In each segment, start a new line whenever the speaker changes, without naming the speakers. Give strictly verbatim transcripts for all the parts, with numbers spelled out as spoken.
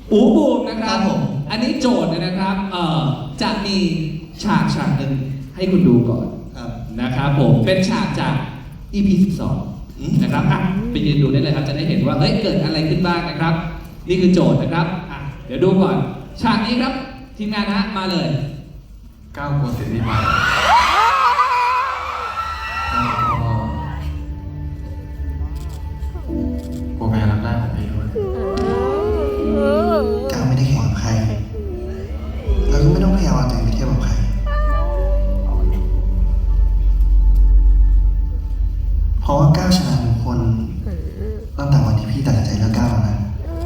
อูบูมนะครับ
ครับผม
อันนี้โจทย์เนี่ยนะครับเอ่อจะมีฉากฉากหนึ่งให้คุณดูก่อน
ครับ
นะครับผมเป็นฉากจาก อี พี สิบสอง
อืม
นะครับอ่ะไปยืนดูได้เลยครับจะได้เห็นว่าเฮ้ยเกิดอะไรขึ้นบ้างนะครับ นี่คือโจทย์นะครับอ่ะเดี๋ยวดูก่อนฉากนี้ครับทีมงานฮะมาเลย
ก้าวกลัวเสียดีไปกลัวแม่รับได้ของพี่ด้วย
ก้าวไม่ได้แข่งกับใคร แล้วก็ไม่ต้องพยายามเอาตัวเองไปเทียบกับใคร เพราะว่าก้าวชนะทุกคนตั้งแต่วันที่พี่ตัดสินใจเลือกก้าวแล้วนะ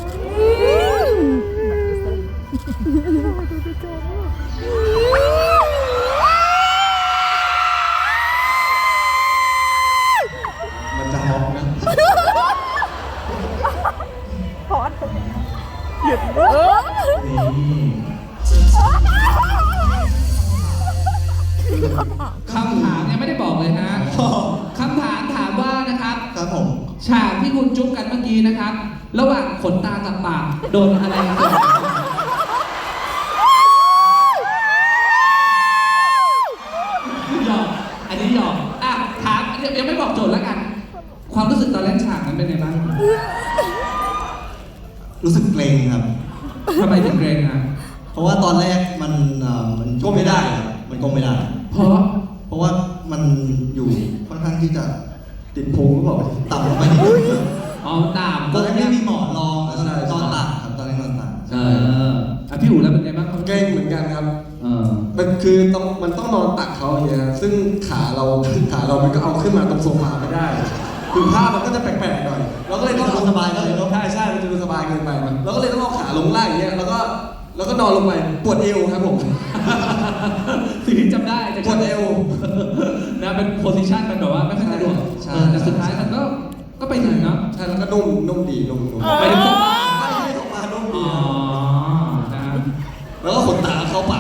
มันจะฮอกนะ
พอดหยุดเออ
คำถามยังไม่ได้บอกเลยฮะคำถามถามว่านะครับ
ครับผม
ฉากที่คุณจุ๊บกันเมื่อกี้นะครับ ระหว่างขนตากับปากโดนอะไรกันหยอกอันนี้หยอกอ่ะถามเดี๋ยวยังไม่บอกโจทย์แล้วกัน ความรู้สึกตอนเล่นฉากนั้นเป็นไงบ้าง
รู้สึกเกรงครับ
ทำไมถึงเกรงอ่ะ
เพราะว่าตอนแรกมันเอ่อมันก้มไม่ได้ครับ มันก้มไม่ได้
เพราะ
เพราะว่ามันอยู่ค่อนข้างที่จะติดพุงหรือเปล่าต่ำลงไปนิดนึง
อ๋อตาม
ตอนนั้นไม่มีหมอนรอง
ใช่
ตอนตัดครับตอนนั้นนอนตัด
เอออ่ะพี่อู๋แล้วเป็นไงบ้างครับ
เกรงเหมือนกันครับ
เออ
มันคือต้องมันต้องนอนตักเขาอย่างเงี้ย ซึ่งขาเรา ขาเรา มันก็เอาขึ้นมาตรงโซฟาไม่ได้ คือภาพมันก็จะแปลกๆหน่อย เราก็เลยต้อง
มันจะดูสบายเลยเนอะ
ใช่ใช่มันจะดูสบายเกินไปมันเราก็เลยต้องเอาขาลงล่างอย่างเงี้ย แล้วก็ แล้วก็นอนลงไป ปวดเอวครับผม
สิ่งที่จำได้จะ
ปวดเอว
นะเป็นโพสิชันมันแบบว่าไม่ค่อยสะดวก
ใช่
เออแต่สุดท้ายมันก็ก็ไปถึงเนาะ
ใช่ แล้วก็นุ่ม นุ่มดี นุ่มนุ่ม
ไปถึง
ไม่ใช่โซฟานุ่ม
อ๋
ดี
อนะครับ
แล้วก็ขนตาเข้าปาก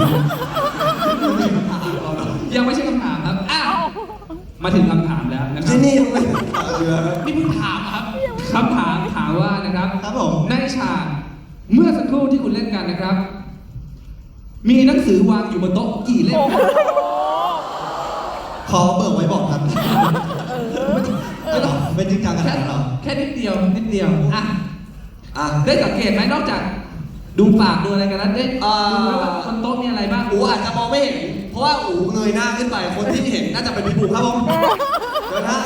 ยังไม่ใช่คำถามครับอ้าวมาถึงคำถามแล้วนะครั
ที่
บ
นี่ไม่เชื่อ
นี่เพิ่งถามครับคำถามถามว่านะครับ
ครับผม
ในฉากเมื่อสักครู่ที่คุณเล่นกันนะครับ มีหนังสือวางอยู่บนโต๊ะกี่เล่มครับ
ขอเบิกไว้บอกครับไม่ต้องเป็นจริงจังขนา
แค่
ดนั้นหรอ
แค่นิดเดียวนิดเดียวอ่ะ
อ่ะ
ได้สังเกตไหมนอกจากดูปากดูอะไรกันแล้วได้
อ่า
ดูว่าบนโต๊ะมีอะไรบ้าง
อูอาจจะมองไม่เห็น เพราะว่าอูเงยหน้าขึ้นไป คนที่เห็นน่าจะเป็นพี่บูครับผมเดี๋ยวนะ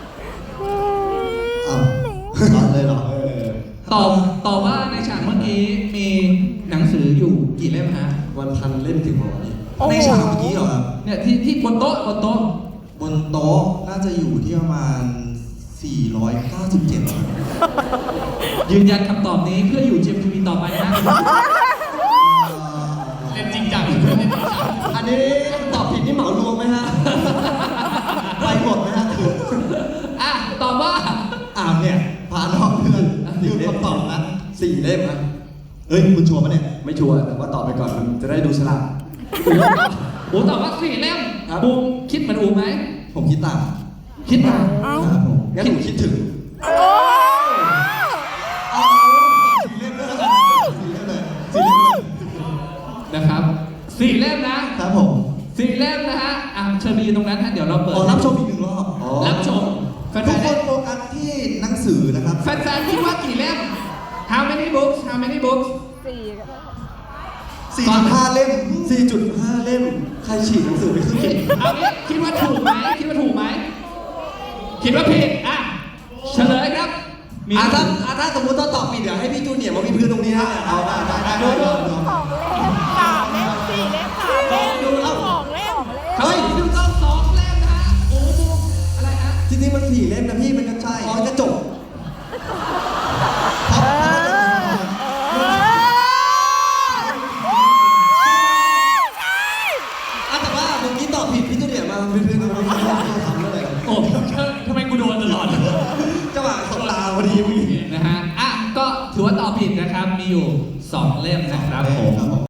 อ้าวร้อนเลยเหรอ
เออ
ตอบตอบว่าในฉากเมื่อกี้มีหนังสืออยู่กี่เล่มฮะ
วันพันเล่มถึงบอกนี่
ในฉากเมื่อกี้เหรอครับ
เนี่ยที่ที่บนโต๊ะบนโต๊ะ
บนโต๊ะน่าจะอยู่ที่ประมาณ สี่ร้อยเก้าสิบเจ็ด
ยืนยันคำตอบนี้เพื่ออยู่ จี เอ็ม ที วี ต่อไปนะเล่นจริงจัง
อันนี้ตอบผิดนี่เหมารวมไหมฮะ
ไปหมดไหมฮะ
อ่ะตอบว่า
อามเนี่ยพาน้องเพื่อนยืมคำตอบนะ
สี่เล่มครับ
เฮ้ย คุณชัวร์ปะเนี่ย
ไม่ชัวร์แต่ว่าตอบไปก่อนมันจะได้ดูฉลาด
อูตอบว่าสี่เล่ม
ครับ
บูมคิดเหมือนอูไหม
ผมคิดตาม
คิดมา
ครับผม
งั้นหนูคิดถึง
เอาสี่เล่มเลยแล้วกันสี่เล่มเลยสี่เล่มเลย
นะครับสี่เล่มนะครับ
ผม
สี่เล่มนะฮะอ่ะเชิญไปยืนตรงนั้นฮะเดี๋ยวเราเปิด
อ๋อรับชมอีกหนึ่งรอบ
อ๋อ
รับชมแฟ
ทุกคน
น
โฟกัสที่หนังสือนะครับ
ๆแฟนๆคิดว่ากี่เล่ม How many books How many books
สี่ก็ได้
สี่จุดห้าเล่ม สี่จุดห้าเล่ม ใครฉีกหนังสือไปครึ่งหนึ่ง
เอางี้คิดว่าถูกไหมคิดว่าถูกไหมคิดว่าผิดอ่ะเฉลยครับมี
อ่ะถ้าอ่ะถ้าสมมติต้องตอบผิดเดี๋ยวให้พี่จูเนียร์มาวิดพื้นตรงนี้ฮะ
เอาได้ได้ได้
ดู
ได้
ดู
สองเล่มสามเล่มสี่เล่มสามเล่ม
ดูแล้ว
สองเล่ม
เฮ้ยดูต้องสองเล่มนะฮะโอ้โหอะไรฮะ
จริงๆมันสี่เล่มนะพี่มันก็ใช่มันก็จบ
เออ
อ่ะแต่ว่าเมื่อกี้ตอบผิดพี่จูเนียร์มาวิดพื้นตรงนี้ทำอะไร
โอ้ทำไมกูโดนตลอด
จังหวะสบตาพอดีเมื่อกี้
นะฮะอ่ะก็ถือว่าตอบผิดนะครับมีอยู่สองเล่มนะครับผม